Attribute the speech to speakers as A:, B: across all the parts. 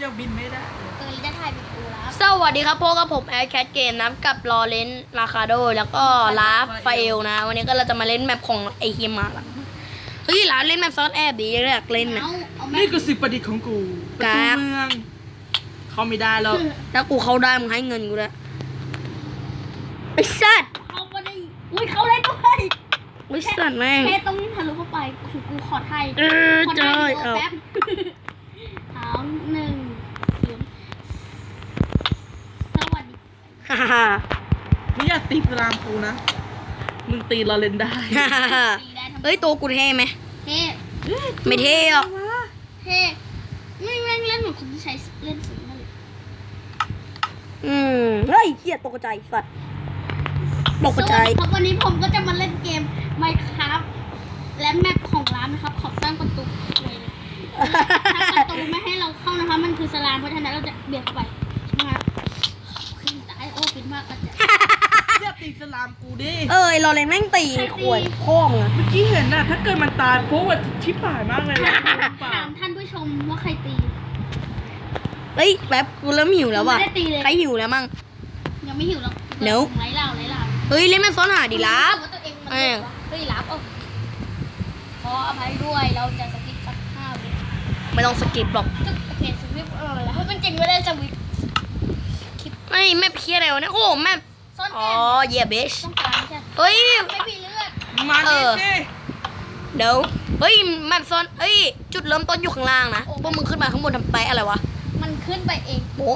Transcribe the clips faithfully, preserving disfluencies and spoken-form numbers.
A: ยังบินไม่ได้
B: เออจะถ่ายเป็นกูแล้ว
C: สวัสดีครับพวกกับผมแอร์แคทเกมนะกับลอเรนลาคาโดแล้วก็ลาฟาเอลนะวันนี้ก็เราจะมาเล่นแมปของไอฮิมาละเฮ้ยลาเล่นแมปซอสแอบดีอยากเล่นนะ
A: นี่คือสิ่งประดิษฐ์ของกูประตูเมืองเขาไม่ได้แล้ว
C: ถ้ากูเข้าได้มึงให้เงินกูด้วยไอ้สัตว์
B: เขาไม่ได้อุ้ยเขาเล่นด้วย
C: ไอ้สัตว์แม่ง
B: แค่ต้องทะลุเข้าไปคือกูขอไทย
C: เออ
B: ขอ
C: จ
B: ไท
C: อย
B: ย
C: เอา
B: แป๊บเอาหนึ่งศูนย์สวัสดี
C: ฮ่าฮ่า
A: ไม่อยากตีสลามกูนะมึงตีเราเล่นได้
C: ฮ่าฮ่าฮ่า
B: ตีได้ทั้ง
C: เฮ้ยตัวกูเท่ไหม
B: เท่
C: ไม่เท่หรอก
B: เท่ไม่เล่นเล่นเหมือนคนที่ใช้เล่นสูงนั่นเลย
C: อืมเฮ้ยเหี้ยตกใจสัตว์ตกใจ
B: สวัสดีครับวันนี้ผมก็จะมาเล่นเกม Minecraft และแมปของร้านนะครับขอสร้างประตูเลยถ้าประตูไม่ให้เราเข้านะคะมันคือสลามเพราะฉะนั้นเราจะเบียดเข้าไปใช่ไหมครับขึ้นตายโอ้ปิดมากก็จะ
A: อย่าตีสลามกูดิ
C: เออไอ้ลอเรนแม่งตีขวดพ่อมึงอะ
A: เมื่อกี้เห็นน่ะถ้าเกิดมันตายโป๊ะชิบหายมากเลยนะ
B: ถามท่านผู้ชมว่าใครตี
C: เฮ้ยแป๊บกูเริ่มหิวแล้วว่ะ
B: ไม่ได้ตีเลย
C: ใครหิวแล้วมั่ง
B: ยังไม่หิวหรอก
C: เดี๋ยว
B: ไร้เหล่าไร้เหล่า
C: เฮ้ยเล่นแม่ซ้อนหาดีลับ
B: ว่าตัวเองมัน
C: แม่ง
B: เฮ้ยรับเอาขออภัยด้วยเราจะสกิปสักห้าวิ
C: ไม่ต้องสกิปหรอก
B: โอเคสวิปเออแล้วให้มันจริงไม่ได้สวิป
C: ไอ้แม่เพี้ยอะไรวะเนี่ยโอ้แม่
B: ซ่อน
C: อ๋
B: แอ
C: อบ เย่เบช
B: ต้องการใช่
C: เฮ้ย
B: ไม่มีเลือด
A: มา
C: เอ
A: ดิ
C: อ
A: สิ
C: เดี๋ยวเฮ้ยแม่ซ้อนเฮ้ยจุดเริ่มต้นอยู่ข้างล่างนะพวกมึงขึ้นมาข้างบนทำแปะอะไรวะ
B: มันขึ้นไปเอง
C: โบ๊ะ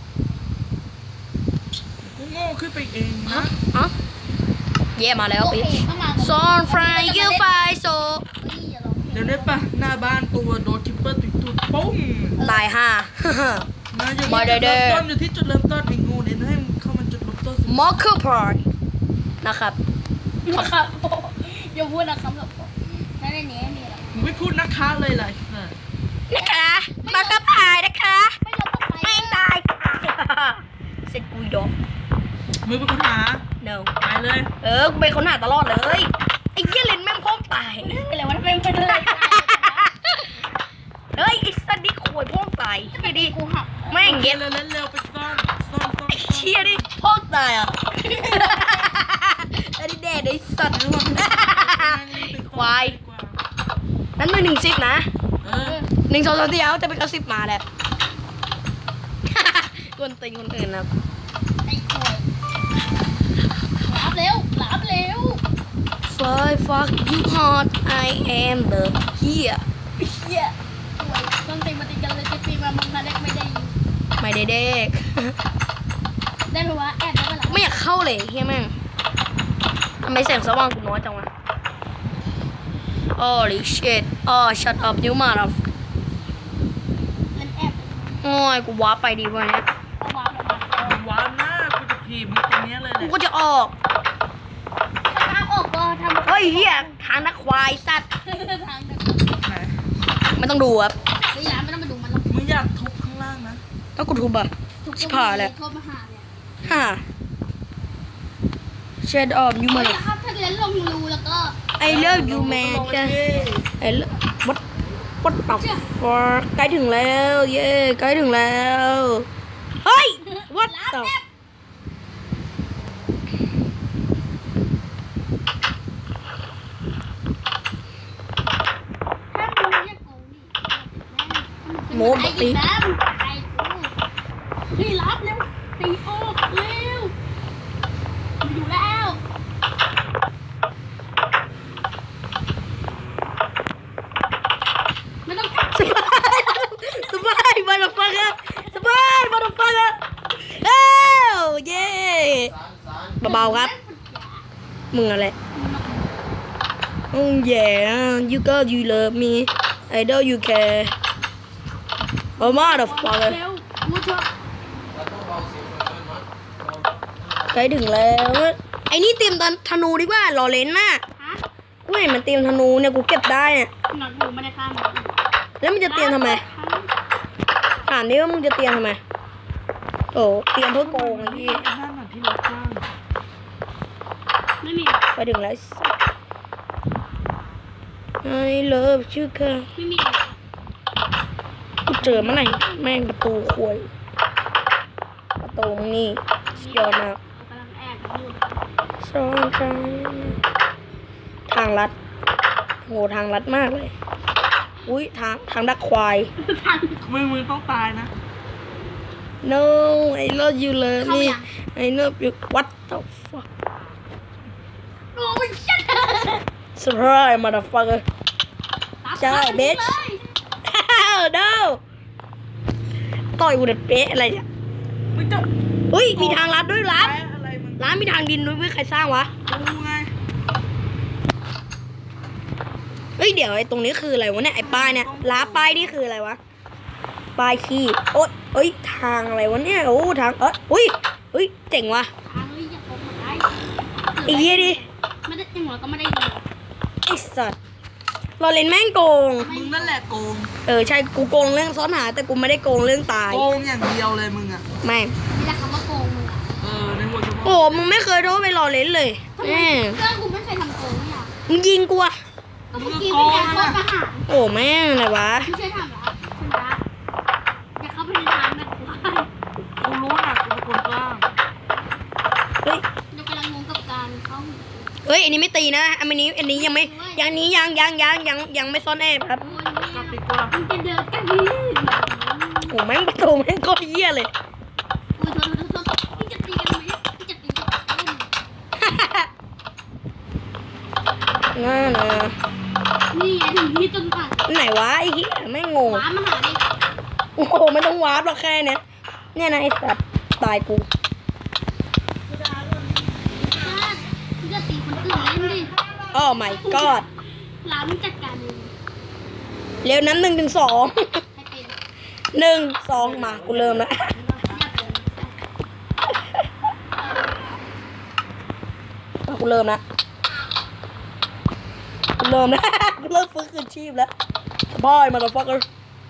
A: กูโง่ขึ้นไปเองนะ
C: อ๋อเย่มาแล้ว
B: โอ
C: ปิ
B: เคเข้ามา
C: ซอนฟรายยูไฟโซ
B: เฮ้ยอย่าร้องเพลง
A: เดี๋ยวนี้ปะหน้าบ้านตัวโดนคิปเปอร์ติดตุดปุ้ง
C: ตายห่า
A: นะอย่า
C: มาเด้อ
A: จุดเริ่มต้นอยู่ที่จุดเริ่มต้นไอ้งูเนี่ยให้มันเข้ามาจุดเริ่มต้นสิ
C: มอคเกอร์พอยนะครับ
B: นะครับอย่าพูดนะครับแบบนั่นในนี้นี่แหละ
A: มึงไม่พูดนะคะเลยเลย
C: นะคะมอคเกอร์พายนะคะ
B: ไม่ยอมต้องไป
C: ไม่ตาย เสร็จกูยอม
A: มึงเป็นคนหา
C: no
A: ไปเลย
C: เออ กูเป็นคนหาตลอดเลยไอ้เหี้ยเลนแม่งพ่อมตาย
B: อะไรวะเป็นเป็นอะไร
C: เฮ้ยไอ้สัตว์นี่ขวยพ่อมตายเฮียดิ
B: กูหัก
C: แม่ง
A: เร็
C: เย็
A: ว
C: ด
A: เร็วเร็วไปซ่อนซ่อนซ่อน
C: ไอ้เชี่ยดิพ่อมตายอ่ะไอ้นี่แดดไอ้สัตว์ทั้งหมดควายนั่นมือหนึ่งสิบนะ
A: เออ
C: หนึ่งสองสามสี่เอาจะเป็นกระสิบมาแหละกวนตีนคนอื่นนะ
B: ไอ้ขวยหลับเร็วหลับเร็ว
C: Fly fuck you hard I am the here
B: เฮียขวยต้นตีมาตีกันเลยจะตีมามึงนาเด็กไม่ได้
C: ไม่ได้เด็ก
B: ได้ไหมวะแอบได้ไหมล่ะ
C: ไม่อยากเข้าเลยเฮียแม่งทำไมแสงสว่างกูน้อยจังวะ Holy shit oh shut up you mother
B: เล่นแอบ
C: โอ้ยกูว้าไปดีกว่านี้
B: เอาวางออกมา
A: ว้าวหน้ากูจะผีมึงตรงนี้เลยแห
C: กู
A: ละ
C: ก็จะออก
B: ถ้าทางออกก็ทำ
C: เฮ้ยเฮียทางนักควายสัตว์
B: ทางเดิน
A: ไหน
C: ไม่ต้องดูครับ
B: เฮ้ยร้านไม่ต้องมาดูมันหรอก
A: มึงอยากทุบข้างล่างนะ
C: ถ้ากูทุบอ่ะ
B: ทุก
C: ชิบหายแล้ว
B: โทรมาหาเนี่ย
C: ฮ่า Shut up you
B: เฮ้ย
C: mother
B: ครับถ้าเล่นลงรูแล้วก็
C: I love you man
A: ลงเลย
C: I love what what the fuck ใกล้ถึงแล้วเย้ใกล้ถึงแล้วเฮ้ย what
B: ร้าน
C: the
B: แอบ ห้ามลงเรียกกูนี่
C: โมบ
B: ไอ้
C: ตี
B: อีกแล้วไอ้กูเฮ้ยรับเร็วตีออกเร็วอยู่แล้วไม่ต้องกัด
C: สบายสบายมาดฟังครับสบายมาดฟังครับเอ้าเย้เบาๆครับมึงอะไรอืม yeah you got you love me I know you care oh motherfucker
B: เร็วกูจะ
C: ใกล้ถึงแล้วไอ้นี่เตรียมตอนธนูดีกว่าลอเลนน่ะ
B: ฮะ
C: กูเห็นมันเตรียมธนูเนี่ยกูเก็บได้เนี่ย
B: หนอนอยู่ไม่ได้ข้าม
C: แล้วมันจะเตรียมทำไมถามดิว่ามึงจะเตรียมทำไมโอ้เตรียมเพื่อโกงไอ้ที่
A: นั่นน่ะที่รถจ้าง
B: ไม่มี
C: ไปถึงแล้ว I love you ค่ะ
B: ไม่มี
C: กูจอเมื่อไหร่แม่งประตูควยประตูมึงนี่สุดยอดมาก
B: กำลังแอบอยู่
C: ซ้อนใจทางลัดโหทางลัดมากเลยอุ้ยทางทางดักควาย
B: ทัน
A: มึงมึงต้องตายนะ
C: no I love you love
B: เข้า
C: me
B: ยัง
C: I love you what the fuck
B: โอ้ยชัด
C: surprise motherfucker ใช่ bitch
B: เลย
C: no ต่อยกูเด็ดเป๊ะอะไรเนี่ย
A: มึงจะ
C: เฮ้ยมีทางลัดด้วยลัด
A: แพ้อะไรมึง
C: ร้านมีทางดินด้วยเว้ยใครสร้างวะ
A: กูไง
C: เฮ้ยเดี๋ยวไอ้ตรงนี้คืออะไรวะเนี่ยไอ้ป้ายเนี่ยล้าป้ายนี่คืออะไรวะป้ายขี้โอ๊ยเอ้ยทางอะไรวะเนี่ยโอ้ทางเอ้ยอุ้ยเฮ้ยเจ๋งว่ะ
B: ทางนี้จะโกงหมดได้
C: ไอ้เหี้ยดิ
B: ไม่ได้ยังหัวก็ไม่ได้ยิน
C: ไอ้สัตว์เราเล่นแม่งโกง
A: มึงนั่นแหละโกง
C: เออใช่กูโกงเรื่องซ้อนหาแต่กูไม่ได้โกงเรื่องตาย
A: โกงอย่างเดียวเลยมึงอ่ะ
C: แม่ง
B: นี่แหละคำว่าโกงมึงอะ
A: เออในหัวสมอง
C: โอ้มึงไม่เคยโทษไปรอเล่นเลย
B: ทำไม
C: แม่ง
B: เรื่องกูไม่เคยทำโกงเนี่ย
C: มึงยิงกูอะ
B: ก็เมื่อกี้เป็นการโทษประหาร
C: โอ้แม่งอะไรวะ
B: ไม่ใช่ทำแล้วชนะอย่าเข้าไปในทางนะกูว่า
A: กูรู้นะกูเป็นคนกล้าง
C: เฮ้ย
B: เดี๋ยวกำลังงงกับการเข้า
C: เฮ้ยอันนี้ไม่ตีนะอันนี้อันนี้ยังไม่ยังนี้ยังยังยังยังยังไม่ซ่อนแอบครับ
B: โอ้ย
A: กลับดีกว่า
B: มึงจะเดินกันนี่
C: โอ้แม่งประตูแม่งก็เหี้ยเลย
B: โอ้ยโทษโทษโทษโทษมึงจะตีกันไหมมึงจะตีกันไหม
C: น่านะ
B: นี่ไงถึงที่จนป่าน
C: ไหนวะไอ้เหี้ยแม่งงง
B: หมามาหาดิ
C: โอ้โหไม่ต้องวาร์ปหรอกแค่เนี้ยเนี่ยนะไอ้สัตว์ตายกู
B: มึงจะตีคนอื่นเล่นดิ
C: โอ้ my god
B: ร้านมึงจัดการเอง
C: เร็วนั้นหนึ่งถึงสอง
B: ให้เป็น
C: หนึ่งสองมากูเริ่มแล้ว
B: อย่าเป็น
C: กูเริ่มแล้วกูเริ่มแล้ว กูเริ่มฟื้นคืนชีพแล้วบอยมาแล้วฟักเกอร์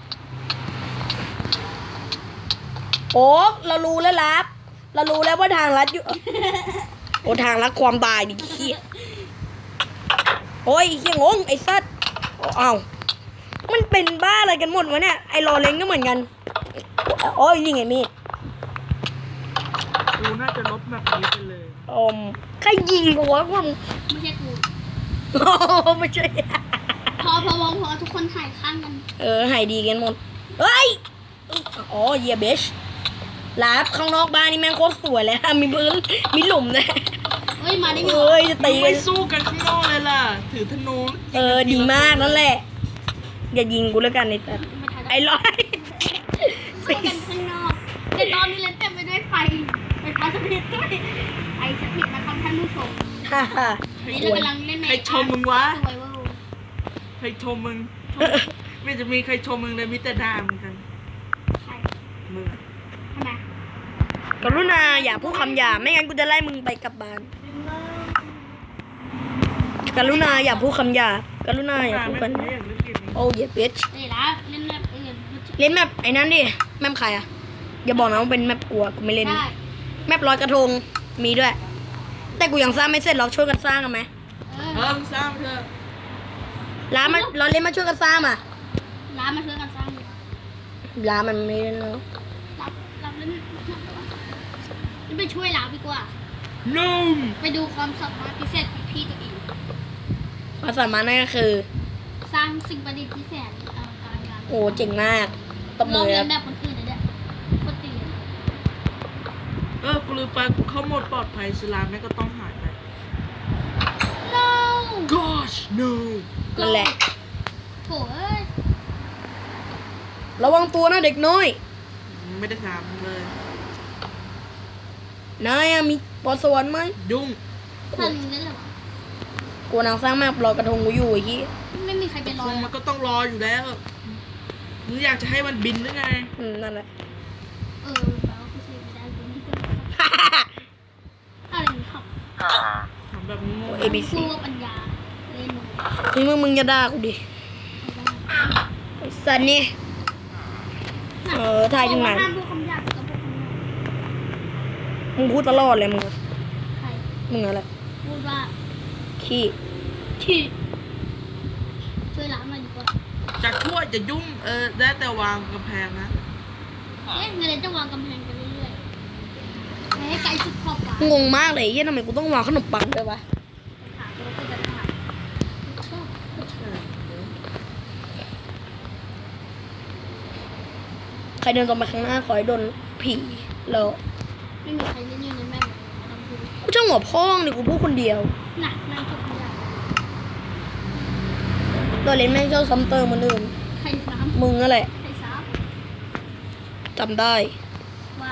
C: โอ้เรารู้แล้วลับเรารู้แล้วว่าทางลัดอยู่ โอ้ทางลัดความตายดิเขี้ยโอ้ยเขี้ยงงไอ้สัตว์อ้าวมันเป็นบ้าอะไรกันหมดวะเนี่ยไอ้รอเล้งก็เหมือนกันโอ้ยนี่ไงมีด
A: กูน่าจะลบแบบนี้ไปเลย
C: อมใครยิงกูวะว่ามึง
B: ไม่ใช่กู
C: โอ้ไม่ใช่
B: พอพอพอพอทุกคนถ่ายข้างกัน
C: เออหายดีกันหมดเฮ้ยอ๋อเยียเบชลาบข้างนอกบ้านนี่แม่งโคตรสวยเลยมีพื้นมีหลุมนะ
B: เฮ้ยมาได้ไง
C: เอ้ยจะ
A: มึ
C: ตี
A: ง
C: กั
A: ไม่
C: น
A: สู้กันข้างนอกเลยล่ะ ถือธนู
C: เออดีมากนั่นแหละ อย่ายิงกูแล้วกันไอ้สัส
B: มาถ่าย
C: ไอ้ร้อย
B: สู้กันข้างนอกแต่ตอนนี้เล่นเต็มไปด้วยไฟไฟฟ้าสถิตด้วยไอสถิตนะครับท่านผู้ชม
C: ฮ่าฮ่า
B: นี่เรากำลังเล่นใน
A: ใครชมมึงวะ
B: สวยว่า
A: ใครชมมึงชมไม่จะมีใครชมมึงเลยมิแต่ด่ามึงกัน
B: ใช่
A: มึง
B: ทำไม
C: กรุณาอย่าพูดคำหยาบไม่งั้นกูจะไล่มึงไปกลับบ้านกรุณาอย่าพูดคำหยาบกรุณาอย่าพูดกัน
A: ไม่อยากเล่นเกมนี้
C: โอ้เยียเบช
B: นี่ละเล่นแบบอื่น
C: เล่นแมปไอ้นั่นดิแมปใครอะอย่าบอกนะว่าเป็นแมปกลัวกูไม่เล่น
B: ได้
C: แมปลอยกระทงมีด้วย แต่กูยังสร้างไม่เสร็จเราช่วยกันสร้างกันไหม
B: เอ
A: เอ
B: อ
A: อมึงสร้างเถอะ
C: ร้านมันเราเล่นมาช่วยกันสร้างอ่ะ
B: ร้านมาช่วยกันสร้างดีกว่า
C: ร้านมันไม่เล่นแล้ว
B: รับรับเล่นนี่ไปช่วยร้านดีกว่า
A: นุ่ม
B: ไปดูความสามารถพิเศษของพี่ตัวเอง
C: ความสามารถนั่นก็คือ
B: สร้างสิ่งประดิษฐ์พิเศษอลังการงาน
C: โอ้เจ๋งมากตบ
B: ล
C: มื
B: อง
C: อ
B: เรี
C: ค
B: ย
C: รั
B: น
C: บ
B: แบบคนอื่นเลยเนี่ยคนตีน
A: เออกูลืมไปกูเข้าโหมดปลอดภัยสลามแม่งก็ต้องหายไป
B: no
A: gosh no
C: นั่นแหละ
B: โถ่เอ้ย
C: ระวังตัวนะเด็กน้อย
A: ไม่ได้ถามมึงเลย
C: นายอะมีพรสวรรค์ไหม
A: ยุ่ง
B: ท่านเล่นเหรอวะ
C: กูนางสร้างแมปลอยกระทงกูอยู่ไอ้ที่
B: ไม่มีใครไปร
A: ค
B: อง
A: มันก็ต้องรออยู่แล้วมึงอยากจะให้มันบินหรือไง
C: อืมนั่นแหละ
B: เออแปลว่าพิเศษไม่ได้กูนี่ก็อะไรนี่ครับ
A: ทำแบบโง่
C: เอบีซี
B: สู้กับปัญญาเล่นหนู
C: นี่มึงมึงจะด่ากูดิไอ้สันนี่เออถ่ายถึงไหน
B: ห้ามพูดคำหยาบกับพวกคนนี้
C: มึงพูดตลอดเลยมึงอะ
B: ใคร
C: มึงอะไร
B: พูดว่า
C: ขี้
B: ที่ช่วยล้างหน่อยดีกว่า
A: จะทั่วจะยุ่งเออได้แต่วางกำแพงนะ
B: เอ๊ะเงินจะวางกำแพงไปเรื่อยๆให้ไกลสุดขอบฟ้าง
C: งมากเลยเฮียทำไมกูต้องวางขนมปังด้วยวะ
B: ถามเราก็จะถามชอบ
C: ใครเดินตรงไปข้างหน้าขอให้โดนผีแล้ว
B: ไม่มีใครเล่นอยู่ในแม่เลยไม่ต้องพูด
C: กูช่างหัวพ่องดิกูพูดคนเดียว
B: หนักนั่งจบไม่ได้
C: ตัวเล่นแม่งเจ้าซ้ำเติมเหมันอื่น
B: ใครน้ำ
C: มึงนั่นแหละ
B: ใครซับ
C: จำได้
B: ว่า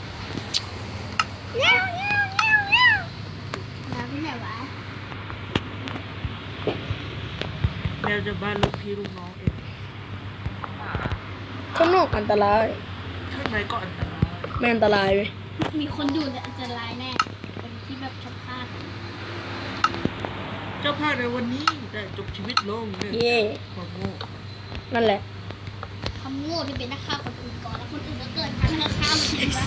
B: เงี้ยวเงี้ยวเงี้ยวเงี้ยวน้ำที่ไหนวะ
A: แมวจะบ้านลูกพี่ลูกน้องเอง
C: ข้างนอกอันตราย
A: ข้างในก็อันตราย
C: ไม่อันตรายเว้ย
B: มีคนอยู่แต่อันตรายแน่คนที่แบบชอบฆ่ากัน
A: เจ้าภาพในวันนี้ได้จบชีวิตลงเนี่ย
C: เย่
A: ความโง่
C: นั่นแหละ
B: คำโง่ที่เป็นนักฆ่าคนอื่นก่อนแล้วคนอื่นก็เกิดมาเพื่อฆ่ามันเองวะ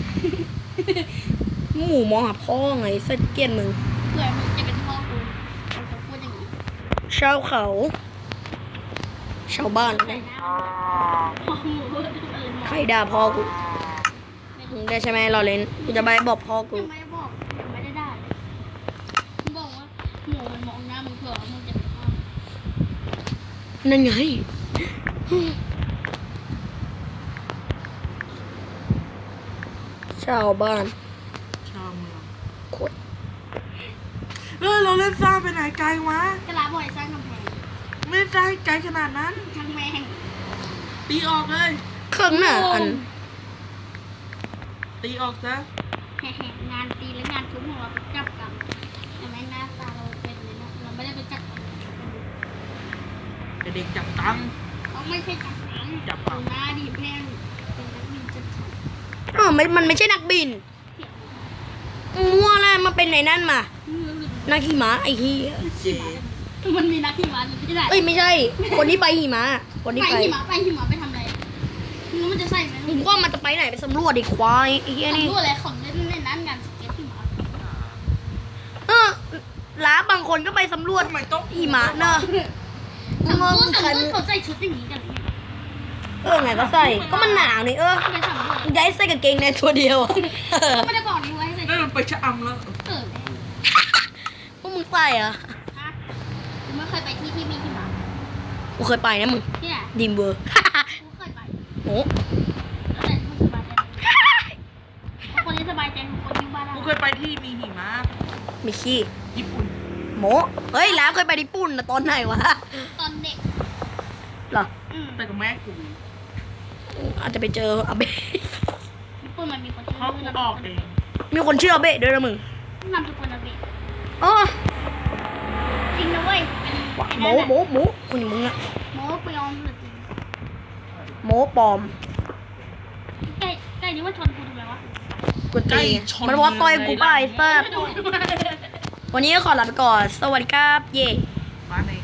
C: หมูมองหาพ่อไงเส้นเกลียนมึง
B: เผื่อมึงจะเป็นพ่อกูมันจะพูดอย่างนี้
C: ชาวเขา ชาวบ้าน
B: ใส่หน้าพ่อหมูอะไรหมอ
C: ใครด่าพ่อกูมึงได้ใช่ไหมเราเล่นกูจะไปบอกพ่อกู
B: ยังไม่ได้บอกยังไม่ได้ด่าเลยมึงบอกว่าหมูมันมองหน้ามึงเผื่อว่ามึงจะเป็นพ่อ
C: นั่นไง ชาวบ้าน
A: ชาวเมือง
C: โคตร
A: เออเราเล่นสร้างไปไหนไกลวะ
B: กระลาบ่อยสร้างกำแพง
A: ไม่ได้สร้างไกลขนาดนั้น
B: ช่างแม่ง
A: ตีออกเลย
C: เครื่องหน้าอัน
A: ตีออกซะ
B: แห่ๆงานตีและงานทุบของเราเป็นจับกันแต่ไม่หน้าตาเราเป็นเลยนะเราไม่ได้ไปจับกัน
A: เด็กๆจับตังค์
B: เขาไม่ใช่จับหนัง
A: จับเปล่า
B: หน้าดีแพงเป็นนักบินจับฉ่
C: อ๋อไม่มันไม่ใช่นักบินมั่วแล้วมาเป็นไหนนั่นมา
B: ำ
C: นักขี่ม้าไอ้เหี้ย
A: เจ
B: มันมีนักหิมะอยู่ที่ไหน
C: เอ้ยไม่ใช่ คนที่ไปหิมะคนที่
B: ไป
C: ไป
B: หิมะไปหิมะไปทำอะไรมึงมันจะใส่ไหม
C: ผมว่ามันจะไปไหนไปสำรวจดิควายไอ้เหี้ยนี่
B: รู้อะไรของเล่นเล่นนั้นกันสเก็ตหิมะ
C: เออล้าบางคนก็ไปสำรวจ
A: ทำไมต้อง
C: หิมะเนอะ
B: สำรวจ
C: มึง
B: สำ
C: ใคร
B: รวจเขาใส่ชุดอย่างนี้กันเลย
C: เออไงก็ใส่ ก็มันหนาวนี่เออ
B: ไปสำรวจ
C: ย้ายใส่กางเกงในตัวเดียวอะ
B: ก็ไม่ได้บอกนี่ไว้ให้ใส่
A: นั่น
B: ชุด
A: มันไปชะอำแล้ว
B: เออ
C: พวกมึงใส่เหรอะ
B: ฮะกูไม่เคยไปที่ที่มีหิมะ
C: กูเคยไปนะมึง
B: ที่ไหน
C: ดิมเบอร์
B: กูเคยไป
C: โอ้
B: แล้วแต่คนสบายใจคนที่สบายใจคือคนที่บ้าน
A: กูเคยไปที่มีหิมะ
C: มีขี้
A: ญี่ปุ่น
C: โมเฮ้ยล้าเคยไปญี่ปุ่นนะตอนไหนวะ
B: ตอนเด็ก
C: เหรอ
B: อืม
A: ไปกับแม่กู
C: อาจจะไปเจออาเบะ
B: ญี่ปุ่นมันมีคนชื่อ
A: เพราะกูออกเอง
C: มีคนชื่ออาเบะด้วยนะมึง
B: นามสกุลอาเบะ
C: อ๋อ
B: จริงนะเว้ย
C: โมโมโมคนอย่างมึงอะ
B: โมไปยอมหรือจริง
C: โมปลอม
B: ใกล้ใกล้นี้ว่าชนกูทำไมวะ
C: กวนตีนมันว่าต่อยกูไปเซิร์ฟวันนี้ก็ขอลาไปก่อน สวัสดีครับ เย่
A: มาใน